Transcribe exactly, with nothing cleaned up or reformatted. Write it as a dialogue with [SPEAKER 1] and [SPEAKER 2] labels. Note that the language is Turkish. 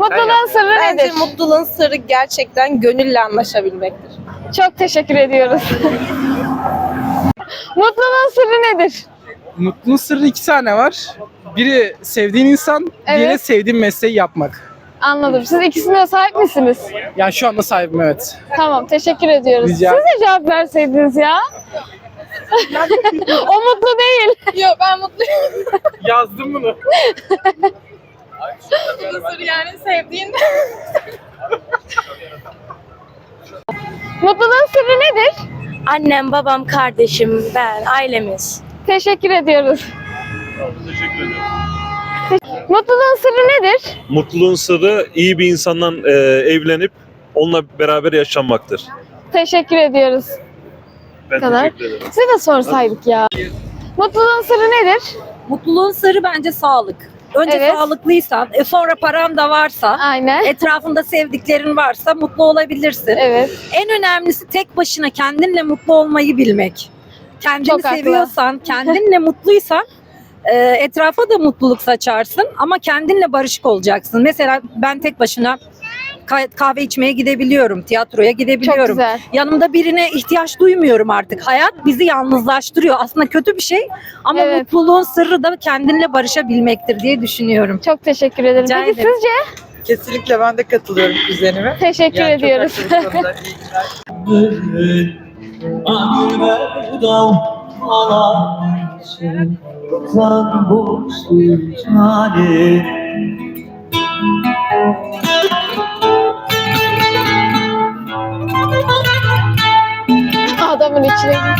[SPEAKER 1] Mutluluğun sırrı
[SPEAKER 2] Bence
[SPEAKER 1] nedir?
[SPEAKER 2] mutluluğun sırrı gerçekten gönülle anlaşabilmektir.
[SPEAKER 1] Çok teşekkür ediyoruz. Mutluluğun sırrı nedir?
[SPEAKER 3] Mutluluğun sırrı iki tane var. Biri sevdiğin insan, diğeri
[SPEAKER 1] Evet.
[SPEAKER 3] sevdiğin mesleği yapmak.
[SPEAKER 1] Anladım. Siz ikisine de sahip misiniz?
[SPEAKER 3] Yani şu anda sahibim, evet.
[SPEAKER 1] Tamam, teşekkür ediyoruz.
[SPEAKER 3] Rica-
[SPEAKER 1] Siz de cevap verseydiniz ya. O mutlu değil.
[SPEAKER 2] Yok ben mutluyum.
[SPEAKER 3] Yazdım bunu.
[SPEAKER 2] Mutluluğun sırrı yani sevdiğin.
[SPEAKER 1] Mutluluğun sırrı nedir?
[SPEAKER 4] Annem, babam, kardeşim, ben, ailemiz.
[SPEAKER 1] Teşekkür ediyoruz. Mutluluğun sırrı nedir?
[SPEAKER 5] Mutluluğun sırrı iyi bir insandan e, evlenip onunla beraber yaşanmaktır.
[SPEAKER 1] Teşekkür ediyoruz.
[SPEAKER 5] Ben
[SPEAKER 1] kadar.
[SPEAKER 5] teşekkür ederim.
[SPEAKER 1] Size de sorsaydık ya. Mutluluğun sırrı nedir?
[SPEAKER 6] Mutluluğun sırrı bence sağlık. Önce
[SPEAKER 1] Evet.
[SPEAKER 6] sağlıklıysan, e sonra paran da varsa,
[SPEAKER 1] Aynen.
[SPEAKER 6] etrafında sevdiklerin varsa mutlu olabilirsin.
[SPEAKER 1] Evet.
[SPEAKER 6] En önemlisi tek başına kendinle mutlu olmayı bilmek. Kendini
[SPEAKER 1] Çok haklı.
[SPEAKER 6] seviyorsan, kendinle mutluysan e, etrafa da mutluluk saçarsın ama kendinle barışık olacaksın. Mesela ben tek başına ka- kahve içmeye gidebiliyorum, tiyatroya
[SPEAKER 1] Çok
[SPEAKER 6] gidebiliyorum.
[SPEAKER 1] güzel.
[SPEAKER 6] Yanımda birine ihtiyaç duymuyorum artık. Hayat bizi yalnızlaştırıyor. Aslında kötü bir şey ama
[SPEAKER 1] Evet.
[SPEAKER 6] mutluluğun sırrı da kendinle barışabilmektir diye düşünüyorum.
[SPEAKER 1] Çok teşekkür ederim.
[SPEAKER 6] Rica
[SPEAKER 1] Peki
[SPEAKER 6] ederim.
[SPEAKER 1] sizce?
[SPEAKER 7] Kesinlikle ben de katılıyorum kuzenime.
[SPEAKER 1] Teşekkür
[SPEAKER 7] Yani çok
[SPEAKER 1] ediyoruz.
[SPEAKER 7] haklı bu konuda.
[SPEAKER 1] Adamın içine gir.